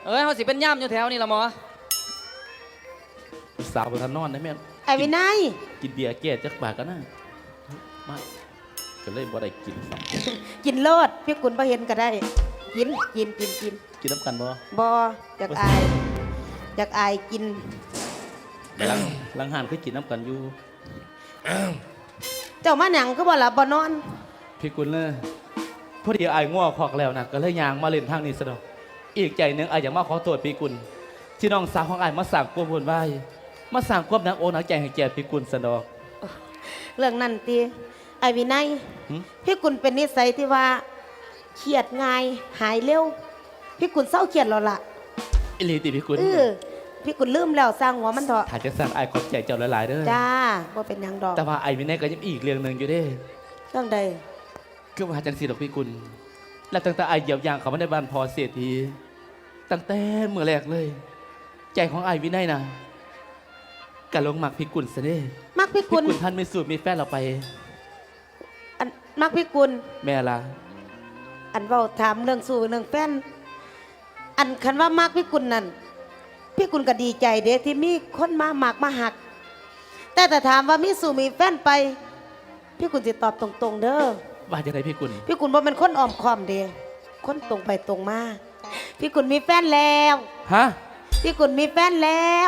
เขาสิเป็นย่ำอยู่แถวนี่ละหมอสาวบนทานนอนได้แม่ไอ้วินัยกินเบียร์แก่จักบาทกันนะมาก็เลยบ่ได้กินซ้กินโลดพี่กุลบ่เห็นก็ได้กินำกินน้ำกันบ่บ่อยากอายกินลังหานเคยกินน้ำกันอยู่เจ้ามาหนังก็บ่หลับบ่นอนพี่กุลเลยพอดีอายง่วงคอกแล้วนะก็เลยยางมาเล่นทางนี้ซะดอกอีกใจหนึ่งอายอยากมาขอโทษพี่กุลที่น้องสาวของอายมาสั่งความวุ่นวายมาสั่งความหนักอกหนักใจให้แก่พี่กุลซะดอกเรื่องนั้นตีไอ้วินัยพี่กุลเป็นนิสัยที่ว่าเครียดง่ายหายเร็วพี่กุลเศร้าเครียดแล้วล่ะอิลีติพี่กุลพี่กุลลืมแล้วสร้างหัวมันเถอะถ้าจะสั่งอายขอบใจเจ้าหลายๆเด้อจ้าว่าเป็นยังดอกแต่ว่าไอ้วินัยก็ยังอีกเรื่องหนึ่งอยู่เด้เรื่องใดคือว่าจังสีดอกพี่กุลและตั้งแต่ไอ้เหยียบยางเขามาในบ้านพอเสียทีตั้งแต่เมื่อแรกเลยใจของไอ้วินัยนะกะลงมักพี่กุลซะเด้มักพี่กุลท่านไม่สูบมีแฟนเราไปอันมักพี่กุลแม่ละอันเว้าถามเรื่องสู่เรื่องแฟนอันคันว่ามักพี่กุลนั่นพี่กุลก็ดีใจเด้ที่มีคนมามักมาหักแต่ถามว่ามีสู่มีแฟนไปพี่กุลจะตอบตรงๆเด้อว่าจะไหนพี่กุลบ่เป็นคนอ้อมค้อมเด้คนตรงไปตรงมาพี่กุลมีแฟนแล้วฮะพี่กุลมีแฟนแล้ว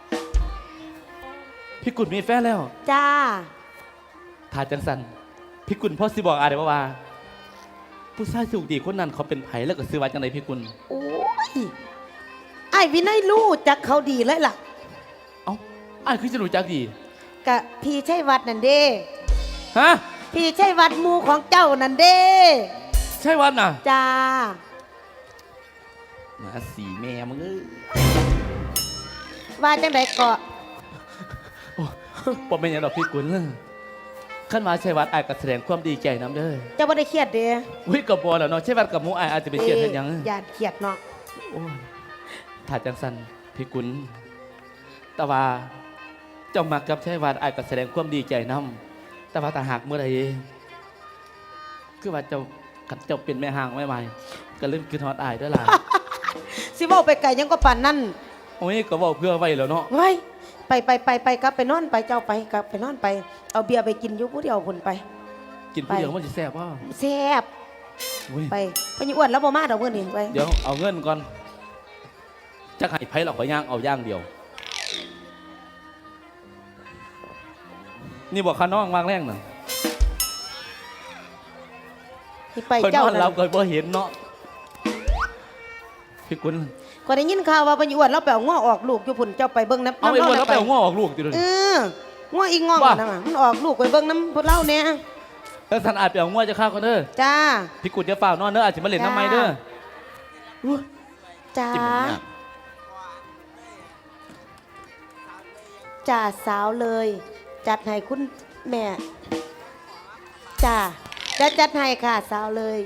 พี่กุลมีแฟนแล้วจ้าถ้าจังสันพี่กุลพ่อสิบอกอะไรว่าผู้ชายสุขดีคนนั้นเขาเป็นไผแล้วก็ซื้อว่าจังไหนพี่กุลโอ้ยไอ้วินัยรู้จักเขาดีเลยล่ะเอ้าไอ้คือจะรู้จักดีกะพี่ใช่วัดนั่นเด้ฮะพี่ใช่วัดมูของเจ้านั่นเด้ใช่วัดน่ะจ้ามาสีแม่มึงว่าจังไดเกาะปอเป็นอย่างดอกพี่กุลขั้นมาใช่วัดไอ้ก็แสดงความดีใจน้ำเด้อจะไม่ได้เครียดเด้วิกับบอแล้วเนาะใช่วัดกับมูไอ้อาจจะเป็นเครียดเป็นยังญาติเครียดเนาะถ้าจังสันพี่กุลแต่ว่าเจ้ามากับใช่วัดไอ้ก็แสดงความดีใจน้ำแต่ว่าถ้าหากเมื่อใดคือว่าเจ้าเป็นแม่ห่างไม่ไหวก็เริ่มกินฮอตไอ้ด้วยล่ะสิบอกไปไก่ยังก็ปั่นนั่นโอ้ยก็บอกเพื่อไว้แล้วเนาะไว้ไปกลับไปนอนไปเจ้าไปกลับไปนอนไปเอาเบียร์ไปกินยุผู้เดียวคนไปกินผู้เดียวมันจะแซ่บป่ะแซ่บไปพญอ้วนแล้วบ่มาดอกเพื่อนนี่ไปเดี๋ยวเอาเงินก่อนจะให้ไผ่เราขอย่างเอาย่างเดียวนี่บอกข้าน้องวางแรงหน่อยไปเจ้าเราเคยบ่เห็นเนาะพี่กุลก็ได้ยินข่าวว่าพญอ้วนเราแปลงง้อออกลูกอยู่พุ่นเจ้าไปเบิ้งน้ำเอาไอ้อ้วนเราแปลงง้อออกลูกติดเลยง้ออีง้อนะมันออกลูกไปเบิ้งน้ำพวกเราเนี่ยแล้วท่านอาจแปลงง้อจะฆ่าคนเด้อจ้าพี่กุลจะฝ่าวนอนเด้ออาจจะมาเล่นน้ำไม้เด้อจ้าจ่าสาวเลยจัดให้คุณแม่จ้าจะจัดให้ค่ะสาวเลย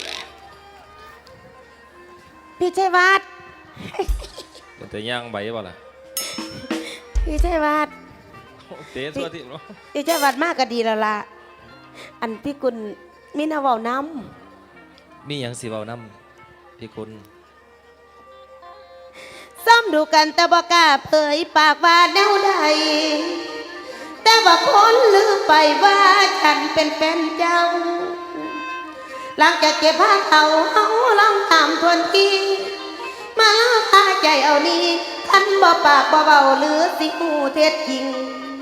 พี่ชัยวัฒน์แต่ย่างใบบ่ล่ะพี่ชัยวัฒน์เตะตัวที่พี่ชัยวัฒน์มากก็ดีแล้วล่ะอันพี่กุลมีนาเว้าน้ำมีอย่างสิเว้าน้ำพี่กุลซ้ำดูกันแต่บ่กล้าเผยปากว่าแนวใดแต่ว่าคนลืมไปว่าฉันเป็นแฟนเจ้าหลังจากเก็บผ้าเก่าเฮาลองถามทวนทีมาพาใจเอานี้คันบ่ปากบ่เบาหรือสิหูเท็จจริง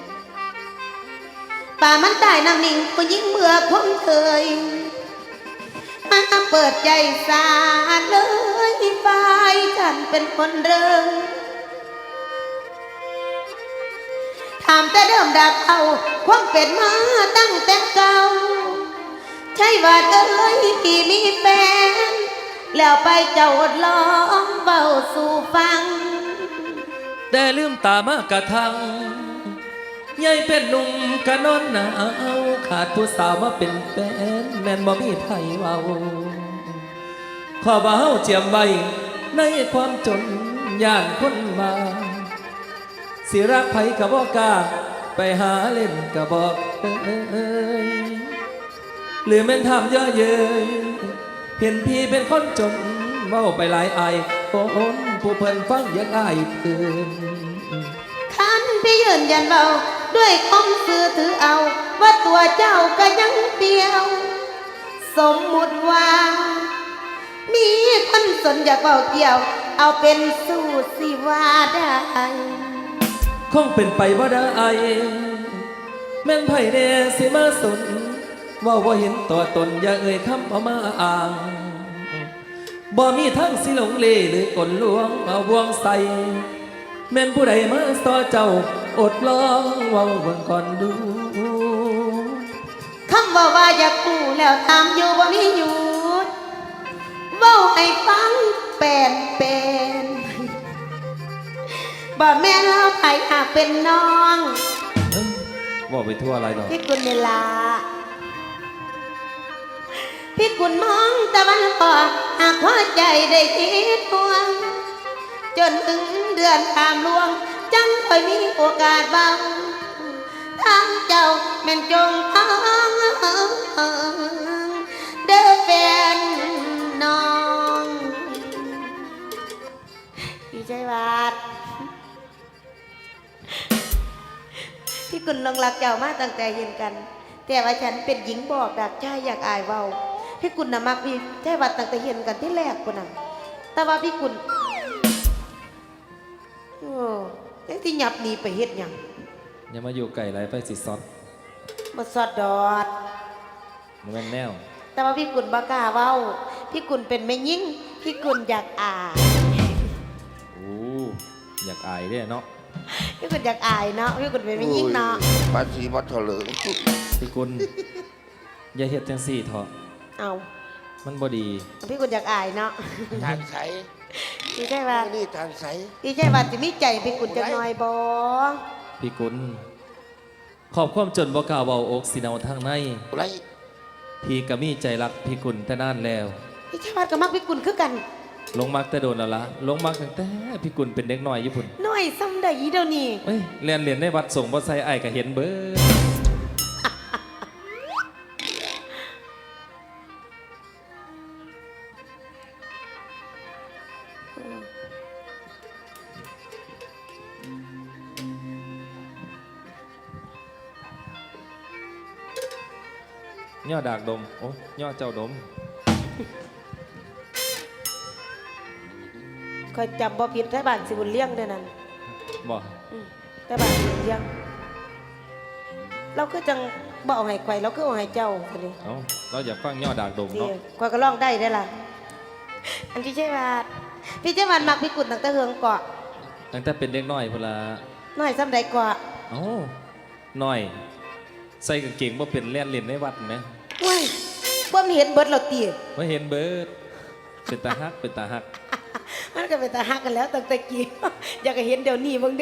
ป่ามันตายน้ำนิ่งผู้หญิงเมื่อคมเคยมาเปิดใจสาดเลยฝ่ายฉันเป็นคนเริ่มถามแต่เดิมดักเอาความเป็นมาตั้งแต่เก่าใช่ว่าเอ้ยพี่มีแฟนแล้วไปเจ้าอดล้อมเบาสู่ฟังได้ลืมตามากระทังยายเป็นหนุ่มกะนอนหนาวขาดผู้สาวมาเป็นแฟนแม่นบ่มีไผเว้าขอบ่าเฮาเจียมไว้ในความจนย่านคนมาสิรักไผกะบ่กล้าไปหาเล่นกะบอกหรือแม่นทำเยอะเย้ยเห็นพี่เป็นคนจนเว้าไปหลายอายปนผู้เพิ่นฟังอยังอายเตือนคันพี่ยืนยันเบาด้วยคมสื่อถือเอาว่าตัวเจ้าก็ยังเดียว สมมุติว่า มีคนสนอยากเบาเกี่ยว เอาเป็นสู้สิว่าได้คงเป็นไปว่าได้แม่นไผแน่สิมาสนว่าเห็นตัวตนอย่าเอ่ยคำเอามาอ้างบ่มีทั้งสิหลงเลหรือกลลวงมาบวงใส่แม่นผู้ใดมาสอเจ้าอดลองเว้าเบิ่งก่อนดูคำว่าอยากกู้แล้วทำอยู่บ่มีหยุดเว้าให้ฟังเป็นบ่แม่นเราไผหากเป็นน้องเอ้ยว่าไปทั่วอะไรหรอกพี่กุลเวลาพี่กุลมองตะวันออกหากหัวใจได้คิดห่วง จนถึงเดือนตามลวง จังค่อยมีโอกาสบ้างทางเจ้าแม่นจงพังเด้อแฟนน้องพี่ชัยวาดพี่กุลลงรักเจ้ามาตั้งแต่เห็นกัน แต่ว่าฉันเป็นหญิงบอกดักชายอยากอายเบาพี่กุลน่ะมักพี่ชัยวาดตั้งแต่เห็นกันที่แรกคนน่ะแต่ว่าพี่กุลโอ้ยังที่หยับหนีไปเฮ็ดหยังอย่ามาอยู่ไก่ไรไปสิซอดบ่สอดดอดมันแม่นแนวแต่ว่าพี่กุลบ่กล้าเว้าพี่กุลเป็นแม่ยิ่งพี่กุลอยากอายโอ้อยากอายเด้เนาะพี่กุลอยากอายเนาะพี่กุลเป็นแม่ยิ่งเนาะภาษีวัดเถลิงพี่กุลอย่าเฮ็ดจังซี่เถอะเอามันบ่ดีพี่กุลอยากอายเนาะทางใสพี่ชัยวาดนี่ทางใสพี่ชัยวาดจะมีใจพี่กุลจักหน่อยบ่พี่กุลขอบความจนบ่กล้าเว้าอกสิเนาทางในไรพี่ก็มีใจรักพี่กุลแต่นานแล้วพี่ชัยวาดก็มักพี่กุลคือกันลงมักแต่โดนแล้วละลงมักตั้งแต่พี่กุลเป็นเด็กน้อยอยู่พุ่นน้อยซ้ำใดเดี๋ยวนี้เอ้ยเรียนในวัดส่งบ่ใส่อ้ายก็เห็นเบิดย่อดากดมโอ้ย่อเจ้าดมคอยจำบ่ผิดไทบ้านสิบุญเลี้ยงเด้อนั่นบ่ไทบ้านสิบุญเลี้ยงเราก็จังบ่เอาให้ข่อยเราก็เอาให้เจ้าซะเลยเอ้าเราอยากฟังย่อดากดมสิเนาะข่อยก็ร้องได้ได้อล่ะอันพี่ชัยวาดพี่ชัยวาดมักพี่กุลตั้งแต่เฮืองเกาะตั้งแต่เป็นเด็กน้อยพุ่นละน้อยซ้ำใดเกาะเอ้าน้อย ใส่กางเกงบ่เป็นเล่นในวัดแหมโอ้ยบ่มีเห็นเบิดเราตีบ่เห็นเบิดเป็นตาฮักเป็นตาฮักมันก็เป็นตาฮักกันแล้วตั้งแต่กี้ อยากจะเห็นเดี๋ยวนี้เบิ่งเด้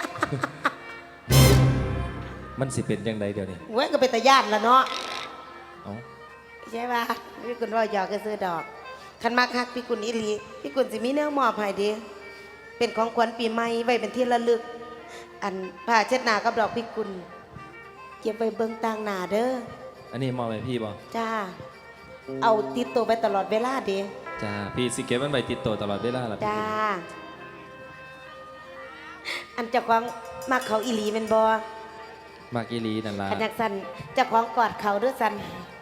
มันสิเป็นยังไงเดี๋ยวนี้เว้ยก็เป็นตาย่านละเนาะเอ้าใช่ป่ะพี่กุลว่าหยอกก็ซื้อดอกคันมักฮักพี่กุลอีหลีพี่กุลสิมีแนวมอบให้เด้เป็นของขวัญปีใหม่ไว้เป็นที่ระลึก อันผ้าเช็ดหน้ากับดอกพี่กุลเก็บไว้เบิ่งต่างหน้าเด้ออันนี้มอบให้พี่บ่จ้า เอาติดตัวไปตลอดเวลาเด้จ้าพี่สิเก็บมันไว้ติดตัวตลอดเวลาล่ะพี่จ้า อันเจ้าของมักเขาอีหลีเป็นบ่มากอีหลีนั่นล่ะขันอยากสั่นเจ้าของกอดเขาด้วยสั่น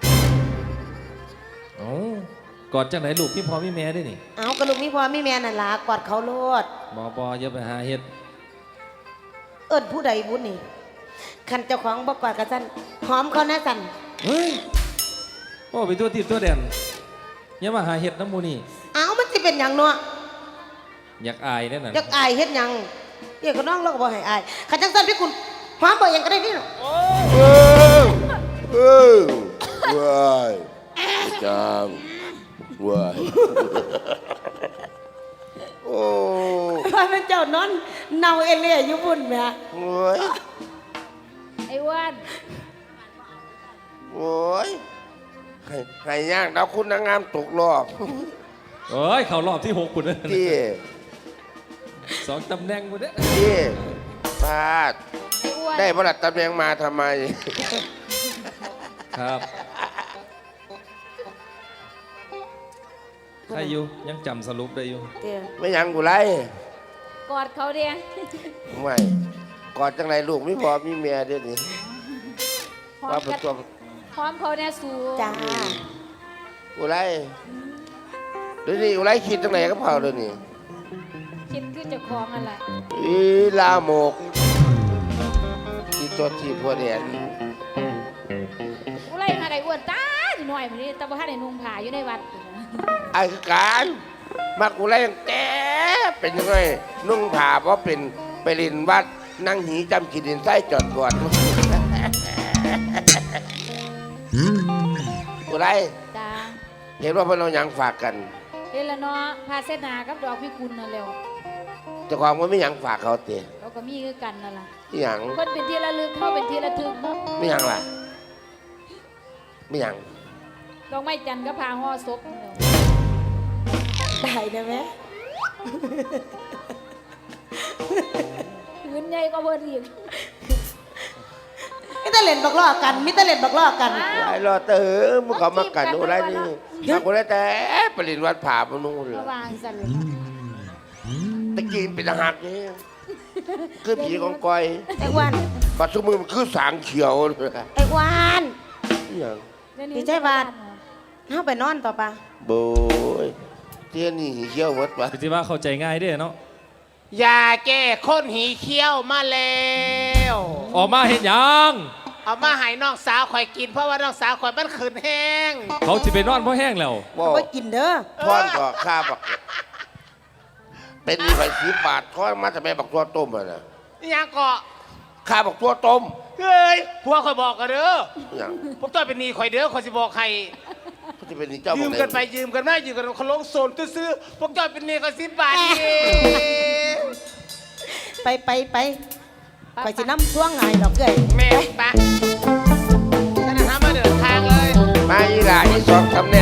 เอ้ากอดจังไหนลูกพี่พ่อพี่แม่ได้นี่เอากระลูกมีพ่อมีแม่นั่นล่ะกอดเขาโลดบ่อย่าไปหาเฮ็ดเอิ้นผู้ใดบุญนี่ขันเจ้าของบ่กอดกันสั่นหอมเขาแน่สั่นเฮ้ยโอ้ไปตัวติดตัวแดนอย่ามาหาเฮ็ดน้ำหมูนี่เอามันสิเป็นหยังเนาะอยากอายแน่น่ะอยากอายเฮ็ดหยังเดี๋ยวก็น้องเราก็บ่ให้อายขันจังสั่นพี่คุณหอมบ่หยังก็ได้นี่เนาะเออเออว้ายจังว้ายโอ้ว่าเป็นเจ้านอนเนาเอเล่อยู่บุญแหม่โอ้ยไอ้ว่านโอ้ยให้ย่างดาวคุณนางงามตกรอบเอ้ยเข้ารอบที่6พุ่นเด้อที่ 2ตำแหน่งพุ่นเด้อที่พลาดไอ้อ้วนได้ประหลัดตำแหน่งมาทำไมครับใครอยู่ยังจำสรุปได้อยู่เตี้ยไม่หยังกูไรกอดเขาเดียไม่กอดจังไรลูกไม่พอมีเมียเดี๋ยวนี้พร้อว่าม เป็นกันตัวพร้อมเขาเนี่ยสูจ้ากูไรเดี๋ยวนี้กูไรคิดจังไรก็เผาเดี๋ยวนี้คิดขึ้นจากคลองอะไรอีลาโมกที่ตัวที่พวกเนี่ยกูไล่มาได้อ้วนตาหน่อยมันนี่แต่ว่าถ้าได้นุ่งผ้าอยู่ในวัดไอ้คือการมากูไรยังแต่เป็นยังไงนุ่งผ้าเพราะเป็นไปเรียนวัดนั่งหีจำกินดินไส้จอดก่อนกูไรจ้าเห็นว่าพวกเรายังฝากกันเดี๋ยวละเนาะพาเส้นนากับดอกพิกุลนั่นเร็วเจ้าของมันไม่ยังฝากเขาเตะเราก็มีคือกันนั่นล่ะไม่ยังคนเป็นที่ระลึกเข้าเป็นที่ระทึกเนาะไม่ยังล่ะไม่ยังดอกไม้จันทร์ก็พาห่อศพนั่นแหล้วได้นะแม่พื้นใหญ่ก็เพิ่นอีกมิตรเล่นบักล้อกันมิตรเล่นบักล้อกันอ้าวไอ้รอเตอมึงเขามากันอะไรนี่มากูได้แต่ไปเรียนวัดผาพนู่นเลยระวางสั่นเลยตะกี้เป็นทหารนี่คือผีของก้อยไอ้อ้วันปัจจุบันมันคือสางเขียวเลยไอ้อ้วันนี่ยังเดี๋ยวนี้ดีใจบาด เฮาไปนอนต่อปะโบยเที่ยนี่เขียวหมดปะพี่ว่าเข้าใจง่ายเด้อเนาะยาแก้ข้นหีเคี้ยวมาแล้วออกมาเห็นยังเอามาให้น้องสาวข่อยกินเพราะว่าน้องสาวข่อยมันขืนแห้งเขาจะไปนอนเพราะแห้งแล้วบ่เอาไปกินเด้อทอนก็ค่าบักเป็นมีไฟ10 บาททอนมาจะไปบักตัวต้มอ่ะนะนี่ยังเกาะค่าบักตัวต้มเฮ้ยพวกข่อยบอกกันเด้อนี่ยังผมต้องเป็นหนี้ข่อยเด้อข่อยสิบอกใครเขาจะเป็นนี่เจ้ายืยืมกันไปยืมกันมายืมกันเขาลงโซนซื้อๆพวกเจ้าเป็นหนี้ก็10 บาทเองไปไปสิน้ำท่วงไงดอกเกยแม่ไปท่านทำมาเดินทางเลยมาอีหล่าอีสองทำแน่